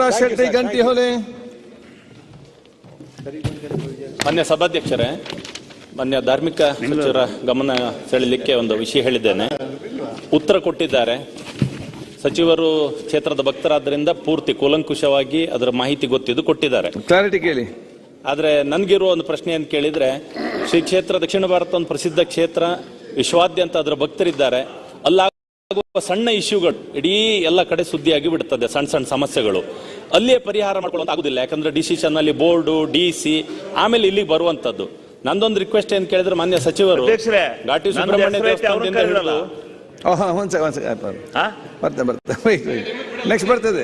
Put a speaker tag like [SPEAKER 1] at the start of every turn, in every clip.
[SPEAKER 1] ಶೆಟ್ಟಿ ಗಂಟಿಹೊಳೆ.
[SPEAKER 2] ಮಾನ್ಯ ಸಭಾಧ್ಯಕ್ಷರೇ, ಮಾನ್ಯ ಧಾರ್ಮಿಕ ಸಚಿವರ ಗಮನ ಸೆಳೆಯಲಿಕ್ಕೆ ಒಂದು ವಿಷಯ ಹೇಳಿದ್ದೇನೆ. ಉತ್ತರ ಕೊಟ್ಟಿದ್ದಾರೆ. ಸಚಿವರು ಕ್ಷೇತ್ರದ ಭಕ್ತರಾದ್ದರಿಂದ ಪೂರ್ತಿ ಕೂಲಂಕುಷವಾಗಿ ಅದರ ಮಾಹಿತಿ ಗೊತ್ತಿದ್ದು ಕೊಟ್ಟಿದ್ದಾರೆ.
[SPEAKER 1] ಕ್ಲಾರಿಟಿ ಕೇಳಿ.
[SPEAKER 2] ಆದರೆ ನನಗಿರುವ ಒಂದು ಪ್ರಶ್ನೆ ಅಂತ ಕೇಳಿದ್ರೆ, ಶ್ರೀ ಕ್ಷೇತ್ರ ದಕ್ಷಿಣ ಭಾರತ ಒಂದು ಪ್ರಸಿದ್ಧ ಕ್ಷೇತ್ರ, ವಿಶ್ವಾದ್ಯಂತ ಅದರ ಭಕ್ತರಿದ್ದಾರೆ. ಅಲ್ಲಾಗುವ ಸಣ್ಣ ಇಶ್ಯೂಗಳು ಇಡೀ ಎಲ್ಲ ಕಡೆ ಸುದ್ದಿಯಾಗಿ ಬಿಡುತ್ತದೆ. ಸಣ್ಣ ಸಣ್ಣ ಸಮಸ್ಯೆಗಳು ಅಲ್ಲಿಯೇ ಪರಿಹಾರ ಮಾಡ್ಕೊಳ್ಳೋದು ಆಗುದಿಲ್ಲ. ಯಾಕಂದ್ರೆ ಡಿಸಿಷನ್ ಅಲ್ಲಿ ಬೋರ್ಡು, DC, ಆಮೇಲೆ ಇಲ್ಲಿಗೆ ಬರುವಂತದ್ದು. ನಂದೊಂದು ರಿಕ್ವೆಸ್ಟ್ ಏನ್ ಕೇಳಿದ್ರೆ, ಮಾನ್ಯ ಸಚಿವರು ಘಾಟಿ ಸುಬ್ರಹ್ಮಣ್ಯ ದೇವಸ್ಥಾನದಿಂದ ಹಿಡಿದು
[SPEAKER 1] ನೆಕ್ಸ್ಟ್ ಬರ್ತದೆ.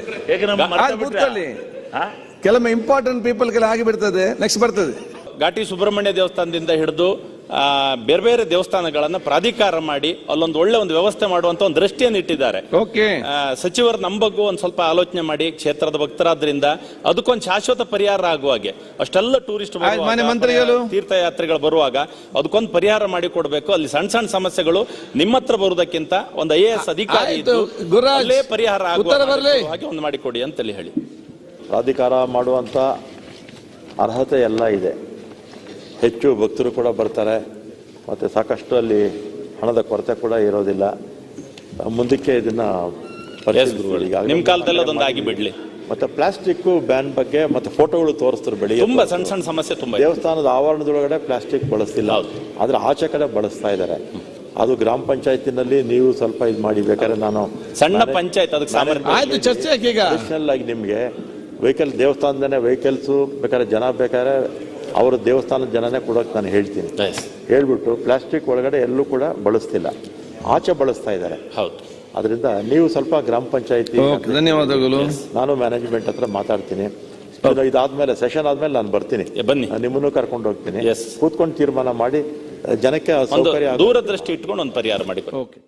[SPEAKER 1] ಕೆಲವೊಮ್ಮೆ ಇಂಪಾರ್ಟೆಂಟ್ ಪೀಪಲ್ ಗೆಲ್ಲ ಆಗಿ ಬಿಡ್ತದೆ. ನೆಕ್ಸ್ಟ್ ಬರ್ತದೆ.
[SPEAKER 2] ಘಾಟಿ ಸುಬ್ರಹ್ಮಣ್ಯ ದೇವಸ್ಥಾನದಿಂದ ಹಿಡಿದು ಬೇರೆ ಬೇರೆ ದೇವಸ್ಥಾನಗಳನ್ನ ಪ್ರಾಧಿಕಾರ ಮಾಡಿ ಅಲ್ಲೊಂದು ಒಳ್ಳೆ ಒಂದು ವ್ಯವಸ್ಥೆ ಮಾಡುವಂತ ಒಂದು ದೃಷ್ಟಿಯನ್ನು ಇಟ್ಟಿದ್ದಾರೆ. ಸಚಿವರು ನಮ್ಮ ಬಗ್ಗೆ ಒಂದ್ ಸ್ವಲ್ಪ ಆಲೋಚನೆ ಮಾಡಿ, ಕ್ಷೇತ್ರದ ಭಕ್ತರಾದ್ರಿಂದ ಅದಕ್ಕೊಂದು ಶಾಶ್ವತ ಪರಿಹಾರ ಆಗುವ ಹಾಗೆ, ಅಷ್ಟೆಲ್ಲ ಟೂರಿಸ್ಟ್ ತೀರ್ಥಯಾತ್ರಿಗಳು ಬರುವಾಗ ಅದಕ್ಕೊಂದು ಪರಿಹಾರ ಮಾಡಿ ಕೊಡ್ಬೇಕು. ಅಲ್ಲಿ ಸಣ್ಣ ಸಣ್ಣ ಸಮಸ್ಯೆಗಳು ನಿಮ್ಮ ಹತ್ರ ಬರುವುದಕ್ಕಿಂತ ಒಂದು IAS ಅಧಿಕಾರಿ ಪರಿಹಾರ ಆಗುವ ಹಾಗೆ ಒಂದು ಮಾಡಿಕೊಡಿ ಅಂತೇಳಿ ಹೇಳಿ.
[SPEAKER 3] ಪ್ರಾಧಿಕಾರ ಮಾಡುವಂತ ಅರ್ಹತೆ ಎಲ್ಲ ಇದೆ. ಹೆಚ್ಚು ಭಕ್ತರು ಕೂಡ ಬರ್ತಾರೆ, ಮತ್ತು ಸಾಕಷ್ಟು ಅಲ್ಲಿ ಹಣದ ಕೊರತೆ ಕೂಡ ಇರೋದಿಲ್ಲ. ಮುಂದಕ್ಕೆ ಇದನ್ನ
[SPEAKER 2] ನಿಮ್ಮ ಕಾಲದಲ್ಲಿ ಅದೊಂದು ಆಗಿ ಬಿಡ್ಲಿ.
[SPEAKER 3] ಮತ್ತೆ ಪ್ಲಾಸ್ಟಿಕ್ ಬ್ಯಾನ್ ಬಗ್ಗೆ ಮತ್ತೆ ಫೋಟೋಗಳು ತೋರಿಸ್ತಾರೆ. ಬೆಳಿಗ್ಗೆ
[SPEAKER 2] ತುಂಬಾ ಸಣ್ಣ ಸಣ್ಣ ಸಮಸ್ಯೆ ತುಂಬ.
[SPEAKER 3] ದೇವಸ್ಥಾನದ ಆವರಣದೊಳಗಡೆ ಪ್ಲಾಸ್ಟಿಕ್ ಬಳಸ್ತಿಲ್ಲ, ಆದ್ರೆ ಆಚೆ ಕಡೆ ಬಳಸ್ತಾ ಇದ್ದಾರೆ. ಅದು ಗ್ರಾಮ ಪಂಚಾಯತಿನಲ್ಲಿ ನೀವು ಸ್ವಲ್ಪ ಇದು ಮಾಡಿ. ಬೇಕಾದ್ರೆ ನಾನು
[SPEAKER 2] ಸಣ್ಣ ಪಂಚಾಯತ್ ಅದಕ್ಕೆ
[SPEAKER 3] ಆಗಿ ನಿಮ್ಗೆ ವೆಹಿಕಲ್ ದೇವಸ್ಥಾನದನೇ ವೆಹಿಕಲ್ಸ್ ಬೇಕಾದ್ರೆ ಜನ ಬೇಕಾದ್ರೆ ಅವರು ದೇವಸ್ಥಾನದ ಜನನೇ ಕೊಡೋಕೆ ನಾನು ಹೇಳ್ತೀನಿ. ಹೇಳ್ಬಿಟ್ಟು ಪ್ಲಾಸ್ಟಿಕ್ ಒಳಗಡೆ ಎಲ್ಲೂ ಕೂಡ ಬಳಸ್ತಿಲ್ಲ, ಆಚೆ ಬಳಸ್ತಾ ಇದ್ದಾರೆ.
[SPEAKER 2] ಹೌದು.
[SPEAKER 3] ಅದರಿಂದ ನೀವು ಸ್ವಲ್ಪ ಗ್ರಾಮ ಪಂಚಾಯತಿ,
[SPEAKER 1] ಧನ್ಯವಾದಗಳು.
[SPEAKER 3] ನಾನು ಮ್ಯಾನೇಜ್ಮೆಂಟ್ ಹತ್ರ ಮಾತಾಡ್ತೀನಿ. ಇದಾದ್ಮೇಲೆ ಸೆಷನ್ ಆದ್ಮೇಲೆ ನಾನು ಬರ್ತೀನಿ,
[SPEAKER 2] ಬನ್ನಿ,
[SPEAKER 3] ನಿಮ್ಮನ್ನು ಕರ್ಕೊಂಡು ಹೋಗ್ತೀನಿ. ಕೂತ್ಕೊಂಡು ತೀರ್ಮಾನ ಮಾಡಿ ಜನಕ್ಕೆ ಸೌಕರ್ಯ
[SPEAKER 2] ದೂರದೃಷ್ಟಿ ಇಟ್ಕೊಂಡು ಒಂದು ಪರಿಹಾರ ಮಾಡಿ.